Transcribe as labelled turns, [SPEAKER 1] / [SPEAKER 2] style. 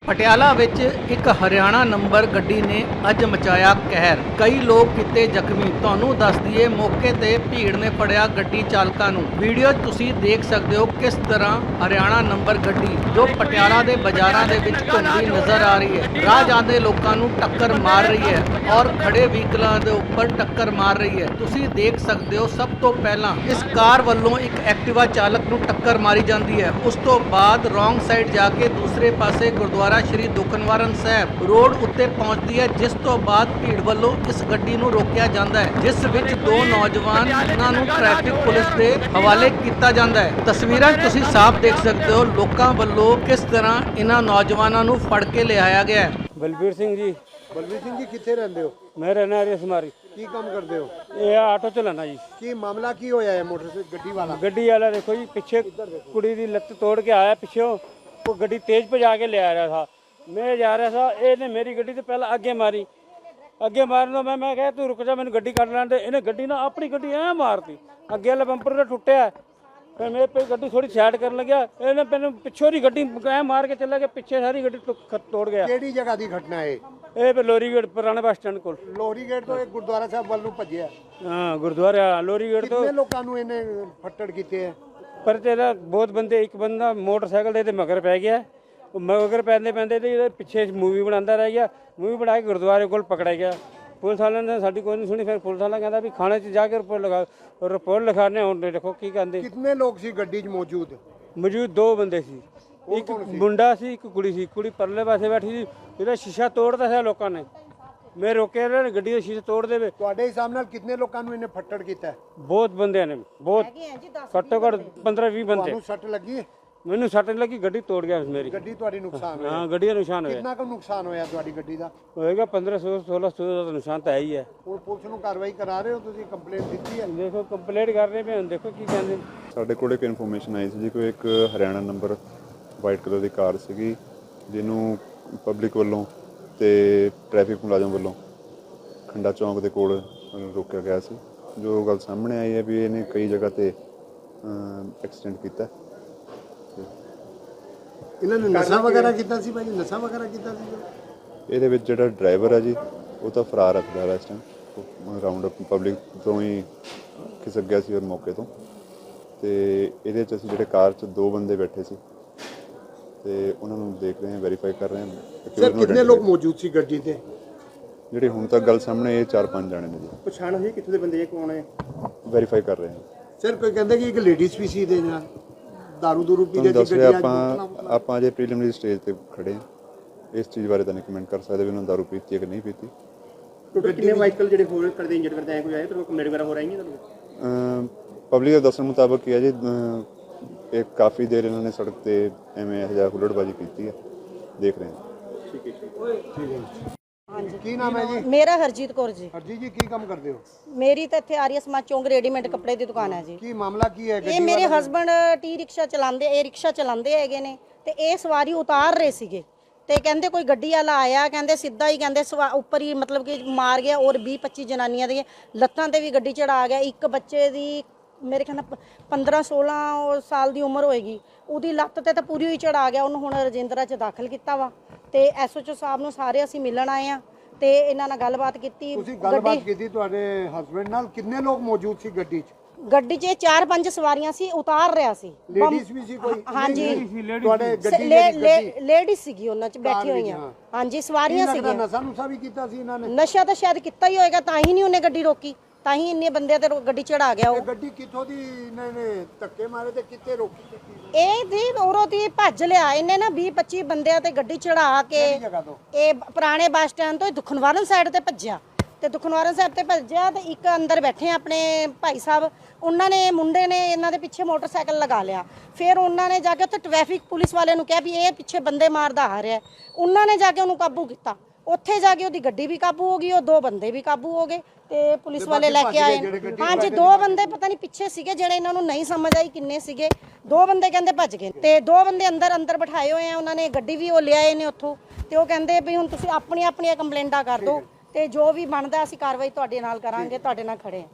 [SPEAKER 1] ਪਟਿਆਲਾ ਵਿੱਚ ਇੱਕ ਹਰਿਆਣਾ ਨੰਬਰ ਗੱਡੀ ਨੇ ਅੱਜ ਮਚਾਇਆ ਕਹਿਰ। ਕਈ ਲੋਕ ਕੀਤੇ ਜ਼ਖਮੀ। ਤੁਹਾਨੂੰ ਦੱਸ ਦਈਏ ਮੌਕੇ ਤੇ ਭੀੜ ਨੇ ਫੜਿਆ ਗੱਡੀ ਚਾਲਕਾਂ ਨੂੰ। ਵੀਡੀਓ ਤੁਸੀਂ ਦੇਖ ਸਕਦੇ ਹੋ ਕਿਸ ਤਰ੍ਹਾਂ ਹਰਿਆਣਾ ਨੰਬਰ ਗੱਡੀ ਜੋ ਪਟਿਆਲਾ ਦੇ ਬਾਜ਼ਾਰਾਂ ਦੇ ਵਿੱਚ ਘੁੰਮਦੀ ਨਜ਼ਰ ਆ ਰਹੀ ਹੈ, ਰਾਹ ਜਾਂਦੇ ਲੋਕਾਂ ਨੂੰ ਟੱਕਰ ਮਾਰ ਰਹੀ ਹੈ ਔਰ ਖੜੇ ਵਹੀਕਲਾਂ ਦੇ ਉੱਪਰ ਟੱਕਰ ਮਾਰ ਰਹੀ ਹੈ। ਤੁਸੀਂ ਦੇਖ ਸਕਦੇ ਹੋ ਸਭ ਤੋਂ ਪਹਿਲਾਂ ਇਸ ਕਾਰ ਵੱਲੋਂ ਇੱਕ ਐਕਟਿਵਾ ਚਾਲਕ ਨੂੰ ਟੱਕਰ ਮਾਰੀ ਜਾਂਦੀ ਹੈ। ਉਸ ਤੋਂ ਬਾਅਦ ਰੋਂਗ ਸਾਈਡ ਜਾ ਕੇ ਦੂਸਰੇ ਪਾਸੇ ਗੁਰਦੁਆਰਾ ਸ਼੍ਰੀ ਦੁਖਨਿਵਾਰਨ ਸਾਹਿਬ ਰੋਡ ਉੱਤੇ ਪਹੁੰਚਦੀ ਹੈ, ਜਿਸ ਤੋਂ ਬਾਅਦ ਭੀੜ ਵੱਲੋਂ ਇਸ ਗੱਡੀ ਨੂੰ ਰੋਕਿਆ ਜਾਂਦਾ ਹੈ, ਜਿਸ ਵਿੱਚ ਦੋ ਨੌਜਵਾਨਾਂ ਨੂੰ ਟ੍ਰੈਫਿਕ ਪੁਲਿਸ ਦੇ ਹਵਾਲੇ ਕੀਤਾ ਜਾਂਦਾ ਹੈ। ਤਸਵੀਰਾਂ ਤੁਸੀਂ ਸਾਫ਼ ਦੇਖ ਸਕਦੇ ਹੋ ਲੋਕਾਂ ਵੱਲੋਂ ਕਿਸ ਤਰ੍ਹਾਂ ਇਹਨਾਂ ਨੌਜਵਾਨਾਂ ਨੂੰ ਫੜ ਕੇ ਲਿਆਇਆ ਗਿਆ ਹੈ।
[SPEAKER 2] ਬਲਬੀਰ ਸਿੰਘ ਜੀ।
[SPEAKER 3] ਬਲਵੀਰ ਸਿੰਘ ਜੀ ਕਿੱਥੇ ਰਹਿੰਦੇ ਹੋ?
[SPEAKER 2] ਮੈਂ ਰਹਿਣਾ ਰਸਮਾਰੀ।
[SPEAKER 3] ਕੀ ਕੰਮ ਕਰਦੇ ਹੋ?
[SPEAKER 2] ਇਹ ਆਟੋ ਚਲਾਣਾ ਜੀ।
[SPEAKER 3] ਕੀ ਮਾਮਲਾ ਕੀ ਹੋਇਆ ਹੈ? ਮੋਟਰਸਾਈਕਲ ਗੱਡੀ ਵਾਲਾ
[SPEAKER 2] ਵਾਲਾ देखो जी, पीछे कुड़ी दी लत्त तोड़ के आया पिछे, वो गड्डी तेज भजा के ले आ रहा था। मैं जा रहा था, ਇਹਨੇ ਮੇਰੀ ਗੱਡੀ ਤੇ ਪਹਿਲਾਂ ਅੱਗੇ ਮਾਰਨ ਤੋਂ ਮੈਂ ਕਿਹਾ ਤੂੰ ਰੁਕ ਜਾ, ਮੈਨੂੰ ਗੱਡੀ ਕੱਢ ਲੈਣ ਦੇ। ਇਹਨੇ ਗੱਡੀ ਨਾ ਆਪਣੀ ਗੱਡੀ ਐ ਮਾਰਤੀ, ਅੱਗੇ ਵਾਲਾ ਬੰਪਰ ਤਾਂ ਟੁੱਟਿਆ। ਫਿਰ ਮੇਰੇ ਪੇ ਗੱਡੀ ਥੋੜੀ ਸਾਈਡ ਕਰਨ ਲੱਗਿਆ, ਇਹਨੇ ਮੈਨੂੰ ਪਿੱਛੋਂ ਦੀ ਗੱਡੀ ਐ ਮਾਰ ਕੇ ਚੱਲਿਆ ਕਿ ਪਿੱਛੇ ਸਾਰੀ ਗੱਡੀ ਤੋੜ ਗਿਆ।
[SPEAKER 3] ਕਿਹੜੀ ਜਗ੍ਹਾ ਦੀ ਘਟਨਾ ਹੈ
[SPEAKER 2] ਇਹ ਲੋਰੀ ਗੇਟ ਪੁਰਾਣੇ ਬੱਸ ਸਟੈਂਡ ਕੋਲ।
[SPEAKER 3] ਲੋਹਰੀ ਗੇਟ ਤੋਂ ਇਹ ਗੁਰਦੁਆਰਾ ਸਾਹਿਬ ਵੱਲ ਨੂੰ ਭੱਜਿਆ।
[SPEAKER 2] ਹਾਂ, ਗੁਰਦੁਆਰਾ ਲੋਰੀ ਗੇਟ ਤੋਂ।
[SPEAKER 3] ਕਿੰਨੇ ਲੋਕਾਂ ਨੂੰ ਇਹਨੇ ਫੱਟੜ ਕੀਤੇ ਹੈ?
[SPEAKER 2] ਪਰ ਤੇਰਾ ਬਹੁਤ ਬੰਦੇ, ਇੱਕ ਬੰਦਾ ਮੋਟਰਸਾਈਕਲ ਦੇ ਤੇ ਮਗਰ ਪੈ ਗਿਆ। ਮਗਰ ਪੈਂਦੇ ਤੇ ਇਹਦੇ ਪਿੱਛੇ ਮੂਵੀ ਬਣਾਉਂਦਾ ਰਹਿ ਗਿਆ। ਮੂਵੀ ਬਣਾ ਕੇ ਗੁਰਦੁਆਰੇ ਕੋਲ ਪਕੜਿਆ ਗਿਆ। ਪੁਲਿਸ ਵਾਲਿਆਂ ਨੇ ਸਾਡੀ ਕੋਈ ਨਹੀਂ ਸੁਣੀ। ਫਿਰ ਪੁਲਿਸ ਵਾਲਾ ਕਹਿੰਦਾ ਵੀ ਥਾਣੇ 'ਚ ਜਾ ਕੇ ਰਿਪੋਰਟ ਲਿਖਾਣੇ। ਹੁਣ ਦੇਖੋ ਕੀ ਕਹਿੰਦੇ।
[SPEAKER 3] ਕਿੰਨੇ ਲੋਕ ਸੀ ਗੱਡੀ 'ਚ ਮੌਜੂਦ?
[SPEAKER 2] ਦੋ ਬੰਦੇ ਸੀ, ਇੱਕ ਮੁੰਡਾ ਸੀ, ਇੱਕ ਕੁੜੀ ਸੀ। ਕੁੜੀ ਪਰਲੇ ਪਾਸੇ ਬੈਠੀ ਸੀ, ਇਹਦਾ ਸ਼ੀਸ਼ਾ ਤੋੜਦਾ ਸੀ ਲੋਕਾਂ ਨੇ। ਮੈਂ ਰੋਕਿਆ ਇਹਨਾਂ ਨੇ, ਗੱਡੀ ਦਾ ਸ਼ੀਸ਼ਾ ਤੋੜ ਦੇਵੇ।
[SPEAKER 3] ਤੁਹਾਡੇ ਹਿਸਾਬ ਨਾਲ ਕਿੰਨੇ ਲੋਕਾਂ ਨੂੰ ਇਹਨੇ ਫੱਟੜ ਕੀਤਾ?
[SPEAKER 2] ਬਹੁਤ ਬੰਦਿਆਂ ਨੇ, ਬਹੁਤ ਘੱਟੋ ਘੱਟ 15-20 ਬੰਦੇ।
[SPEAKER 3] ਤੁਹਾਨੂੰ ਸੱਟ ਲੱਗੀ?
[SPEAKER 2] ਮੈਨੂੰ ਸੱਟ ਲੱਗੀ, ਗੱਡੀ ਤੋੜ ਗਿਆ ਮੇਰੀ।
[SPEAKER 3] ਗੱਡੀ ਤੁਹਾਡੀ ਨੁਕਸਾਨ ਹੋਇਆ?
[SPEAKER 2] ਹਾਂ, ਗੱਡੀ ਦਾ ਨੁਕਸਾਨ ਹੋਇਆ।
[SPEAKER 3] ਕਿੰਨਾ ਕੁ ਨੁਕਸਾਨ ਹੋਇਆ ਤੁਹਾਡੀ ਗੱਡੀ ਦਾ?
[SPEAKER 2] ਹੋਏਗਾ 1500-1600 ਦਾ ਨੁਕਸਾਨ ਤਾਂ ਹੈ ਹੀ ਹੈ।
[SPEAKER 3] ਹੁਣ ਪੁਲਿਸ ਨੂੰ ਕਾਰਵਾਈ ਕਰਾ ਰਹੇ ਹੋ ਤੁਸੀਂ? ਕੰਪਲੇਂਟ ਦਿੱਤੀ ਹੈ?
[SPEAKER 2] ਦੇਖੋ ਕੰਪਲੇਂਟ ਕਰ ਰਹੇ ਪਏ, ਹੁਣ ਦੇਖੋ ਕੀ ਕਹਿੰਦੇ।
[SPEAKER 4] ਸਾਡੇ ਕੋਲ ਇੱਕ ਇਨਫੋਰਮੇਸ਼ਨ ਆਈ ਸੀ ਜੀ, ਕੋਈ ਇੱਕ ਹਰਿਆਣਾ ਨੰਬਰ ਵਾਈਟ ਕਲਰ ਦੀ ਕਾਰ ਸੀਗੀ, ਜਿਹਨੂੰ ਪਬਲਿਕ ਵੱਲੋਂ ਤੇ ਟ੍ਰੈਫਿਕ ਮੁਲਾਜ਼ਮ ਵੱਲੋਂ ਖੰਡਾ ਚੌਂਕ ਦੇ ਕੋਲ ਰੋਕਿਆ ਗਿਆ ਸੀ। ਜੋ ਗੱਲ ਸਾਹਮਣੇ ਆਈ ਹੈ ਵੀ ਇਹਨੇ ਕਈ ਜਗ੍ਹਾ ਤੇ ਐਕਸੀਡੈਂਟ ਕੀਤਾ।
[SPEAKER 3] ਇਹਨਾਂ ਨੇ ਨਸ਼ਾ ਵਗੈਰਾ ਕੀਤਾ ਸੀ ਭਾਜੀ? ਨਸ਼ਾ ਵਗੈਰਾ ਕੀਤਾ ਸੀ?
[SPEAKER 4] ਇਹਦੇ ਵਿੱਚ ਜਿਹੜਾ ਡਰਾਈਵਰ ਹੈ ਜੀ, ਉਹ ਤਾਂ ਫਰਾਰ ਹੈ ਫਿਲਹਾਲ ਇਸ ਟਾਈਮ। ਰਾਉਂਡ ਅਪ ਪਬਲਿਕ ਤੋਂ ਹੀ ਖਿਸਕ ਗਿਆ ਸੀ ਔਰ ਮੌਕੇ ਤੋਂ। ਤੇ ਇਹਦੇ 'ਚ ਅਸੀਂ ਜਿਹੜੇ ਕਾਰ 'ਚ ਦੋ ਬੰਦੇ ਬੈਠੇ ਸੀ ਤੇ ਉਹਨਾਂ ਨੂੰ ਦੇਖ ਰਹੇ ਹਾਂ, ਵੈਰੀਫਾਈ ਕਰ ਰਹੇ ਹਾਂ।
[SPEAKER 3] ਸਰ ਕਿੰਨੇ ਲੋਕ ਮੌਜੂਦ ਸੀ ਗੱਡੀ ਤੇ?
[SPEAKER 4] ਜਿਹੜੇ ਹੁਣ ਤੱਕ ਗੱਲ ਸਾਹਮਣੇ ਇਹ 4-5 ਜਾਣੇ ਨੇ ਜੀ।
[SPEAKER 3] ਪਛਾਣ ਹੋਈ ਕਿੱਥੇ ਦੇ ਬੰਦੇ? ਇਹ ਕੌਣ ਹੈ?
[SPEAKER 4] ਵੈਰੀਫਾਈ ਕਰ ਰਹੇ ਹਾਂ
[SPEAKER 3] ਸਰ ਕੋਈ ਕਹਿੰਦਾ ਕਿ ਇੱਕ ਲੇਡੀਜ਼ ਵੀ ਸੀ ਦੇ ਨਾਲ ਦਾਰੂ ਦੂਰੂ ਪੀ
[SPEAKER 4] ਤੁਹਾਨੂੰ
[SPEAKER 3] ਰਹੀ
[SPEAKER 4] ਦੱਸ
[SPEAKER 3] ਸੀ
[SPEAKER 4] ਰਿਹਾ।
[SPEAKER 3] ਗੱਡੀ?
[SPEAKER 4] ਆਪਾਂ ਅਜੇ ਪ੍ਰੀਲਿਮਿਨਰੀ ਸਟੇਜ ਤੇ ਖੜੇ ਹਾਂ। ਇਸ ਚੀਜ਼ ਬਾਰੇ ਤਾਂ ਨਹੀਂ ਕਮੈਂਟ ਕਰ ਸਕਦੇ ਵੀ ਉਹਨਾਂ ਦਾਰੂ ਪੀਤੀ ਹੈ ਕਿ ਨਹੀਂ ਪੀਤੀ।
[SPEAKER 3] ਟੋਟਲ ਕਿੰਨੇ ਵਾਹੀਕਲ ਜਿਹੜੇ ਹੋਰ ਕਰਦੇ ਇੰਜਰਡ ਕਰਦੇ ਆਏ ਕੋਈ ਆਏ ਤੇ ਕੰਪਲੇਂਟ ਵਗੈਰਾ ਹੋ ਰਹੀ ਹੈ ਤੁਹਾਨੂੰ?
[SPEAKER 4] ਪਬਲਿਕ ਦੇ ਦੱਸਣ ਮੁਤਾਬਕ ਕੀ ਹੈ ਜੀ, ਇਹ ਕਾਫੀ ਦੇਰ ਇਹਨਾਂ ਨੇ ਸੜਕ ਤੇ ਐਵੇਂ ਇਹੋ ਜਿਹਾ ਹੁੱਲੜਬਾਜ਼ੀ ਕੀਤੀ ਹੈ। ਦੇਖ ਰਹੇ ਹਾਂ।
[SPEAKER 3] ਠੀਕ ਹੈ। ਕੀ ਨਾਮ ਹੈ ਜੀ?
[SPEAKER 5] ਮੇਰਾ ਹਰਜੀਤ ਕੌਰ ਜੀ।
[SPEAKER 3] ਹਰਜੀਤ ਜੀ ਕੀ ਕੰਮ ਕਰਦੇ ਹੋ?
[SPEAKER 5] ਮੇਰੀ ਤਾਂ ਇੱਥੇ ਆਰੀਆ ਸਮਾਜ ਚੌਂਕ ਰੈਡੀਮੇਡ ਕੱਪੜੇ ਦੀ ਦੁਕਾਨ ਹੈ ਜੀ।
[SPEAKER 3] ਕੀ ਮਾਮਲਾ ਕੀ ਹੈ?
[SPEAKER 5] ਇਹ ਮੇਰੇ ਹਸਬੰਡ ਟੀ ਰਿਕਸ਼ਾ ਚਲਾਉਂਦੇ, ਇਹ ਰਿਕਸ਼ਾ ਚਲਾਉਂਦੇ ਹੈਗੇ ਨੇ ਤੇ ਇਹ ਸਵਾਰੀ ਉਤਾਰ ਰਹੇ ਸੀਗੇ ਤੇ ਕਹਿੰਦੇ ਕੋਈ ਗੱਡੀ ਵਾਲਾ ਆਇਆ, ਕਹਿੰਦੇ ਸਿੱਧਾ ਹੀ ਕਹਿੰਦੇ ਉੱਪਰ ਹੀ ਮਤਲਬ ਕਿ ਮਾਰ ਗਿਆ ਔਰ 20-25 ਜਨਾਨੀਆਂ ਦੀਆਂ ਲੱਤਾਂ ਤੇ ਵੀ ਗੱਡੀ ਚੜਾ ਗਿਆ। ਇੱਕ ਬੱਚੇ ਦੀ ਮੇਰੇ ਖਿਆਲ ਨਾਲ 15-16 ਸਾਲ ਦੀ ਉਮਰ ਹੋਏਗੀ, ਉਹਦੀ ਲੱਤ ਤੇ ਤਾਂ ਪੂਰੀ ਹੀ ਚੜਾ ਗਿਆ। ਉਹਨੂੰ ਹੁਣ ਰਜਿੰਦਰਾ 'ਚ ਦਾਖਲ ਕੀਤਾ ਵਾ ਤੇ ਐਸਓਚਓ ਸਾਹਿਬ ਨੂੰ ਸਾਰੇ ਅਸੀਂ ਮਿਲਣ ਆਏ ਆ ਤੇ ਇਹਨਾਂ ਨਾਲ ਗੱਲਬਾਤ ਕੀਤੀ।
[SPEAKER 3] ਤੁਸੀਂ ਗੱਲਬਾਤ ਕੀਤੀ ਤੁਹਾਡੇ ਹਸਬੰਡ ਨਾਲ? ਕਿੰਨੇ ਲੋਕ ਮੌਜੂਦ ਸੀ ਗੱਡੀ 'ਚ?
[SPEAKER 5] ਗੱਡੀ 'ਚ 4-5 ਸਵਾਰੀਆਂ ਸੀ, ਉਤਾਰ ਰਿਹਾ ਸੀ।
[SPEAKER 3] ਲੇਡੀਜ਼ ਵੀ ਸੀ ਕੋਈ?
[SPEAKER 5] ਹਾਂਜੀ,
[SPEAKER 3] ਤੁਹਾਡੇ ਗੱਡੀ
[SPEAKER 5] ਲੇਡੀਜ਼ ਸੀਗੀ, ਉਹਨਾਂ 'ਚ ਬੈਠੀ ਹੋਈਆਂ। ਹਾਂਜੀ, ਸਵਾਰੀਆਂ ਸੀਗੀਆਂ।
[SPEAKER 3] ਨਸ਼ਾ ਨੁਸ਼ਾ ਵੀ ਕੀਤਾ ਸੀ ਇਹਨਾਂ ਨੇ?
[SPEAKER 5] ਨਸ਼ਾ ਤਾਂ ਸ਼ਾਇਦ ਕੀਤਾ ਹੀ ਹੋਏਗਾ, ਤਾਂ ਹੀ ਨਹੀਂ ਉਹਨੇ ਗੱਡੀ ਰੋਕੀ, ਤਾਂ ਹੀ ਇੰਨੇ ਬੰਦਿਆਂ ਤੇ ਗੱਡੀ ਚੜਾ ਗਿਆ। ਉਹ
[SPEAKER 3] ਗੱਡੀ ਕਿੱਥੋਂ ਦੀ ਇਹਨਾਂ ਨੇ ਧੱਕੇ ਮਾਰੇ ਤੇ ਕਿੱਥੇ ਰੋਕੀ?
[SPEAKER 5] ਇਹ ਦੀ ਉਰੋਂ ਦੀ ਭੱਜ ਲਿਆ ਇਹਨੇ ਨਾ 20-25 ਬੰਦਿਆਂ ਤੇ ਗੱਡੀ ਚੜਾ ਕੇ। ਇਹ ਪੁਰਾਣੇ ਬੱਸ ਸਟੈਂਡ ਤੋਂ ਦੁਖਨਿਵਾਰਨ ਸਾਈਡ ਤੇ ਭੱਜਿਆ ਤੇ ਦੁਖਨਿਵਾਰਨ ਸਾਹਿਬ ਤੇ ਭੱਜਿਆ ਤੇ ਇੱਕ ਅੰਦਰ ਬੈਠੇ ਆਪਣੇ ਭਾਈ ਸਾਹਿਬ, ਉਹਨਾਂ ਨੇ ਮੁੰਡੇ ਨੇ ਇਹਨਾਂ ਦੇ ਪਿੱਛੇ ਮੋਟਰਸਾਈਕਲ ਲਗਾ ਲਿਆ। ਫਿਰ ਉਹਨਾਂ ਨੇ ਜਾ ਕੇ ਉੱਥੇ ਟ੍ਰੈਫਿਕ ਪੁਲਿਸ ਵਾਲਿਆਂ ਨੂੰ ਕਿਹਾ ਵੀ ਇਹ ਪਿੱਛੇ ਬੰਦੇ ਮਾਰਦਾ ਆ ਰਿਹਾ। ਉਹਨਾਂ ਨੇ ਜਾ ਕੇ ਉਹਨੂੰ ਕਾਬੂ ਕੀਤਾ। ਉੱਥੇ ਜਾ ਕੇ ਉਹਦੀ ਗੱਡੀ ਵੀ ਕਾਬੂ ਹੋ ਗਈ, ਉਹ ਦੋ ਬੰਦੇ ਵੀ ਕਾਬੂ ਹੋ ਗਏ ਤੇ ਪੁਲਿਸ ਵਾਲੇ ਲੈ ਕੇ ਆਏ। ਹਾਂਜੀ, ਦੋ ਬੰਦੇ ਪਤਾ ਨਹੀਂ ਪਿੱਛੇ ਸੀਗੇ, ਜਿਹੜੇ ਇਹਨਾਂ ਨੂੰ ਨਹੀਂ ਸਮਝ ਆਈ ਕਿੰਨੇ ਸੀਗੇ। ਦੋ ਬੰਦੇ ਕਹਿੰਦੇ ਭੱਜ ਗਏ ਤੇ ਦੋ ਬੰਦੇ ਅੰਦਰ ਬਿਠਾਏ ਹੋਏ ਆ। ਉਹਨਾਂ ਨੇ ਗੱਡੀ ਵੀ ਉਹ ਲਿਆਏ ਨੇ ਉੱਥੋਂ ਤੇ ਉਹ ਕਹਿੰਦੇ ਵੀ ਹੁਣ ਤੁਸੀਂ ਆਪਣੀਆਂ ਕੰਪਲੇਂਟਾਂ ਕਰ ਦਿਓ ਤੇ ਜੋ ਵੀ ਬਣਦਾ ਅਸੀਂ ਕਾਰਵਾਈ ਤੁਹਾਡੇ ਨਾਲ ਕਰਾਂਗੇ, ਤੁਹਾਡੇ ਨਾਲ ਖੜੇ ਹਾਂ।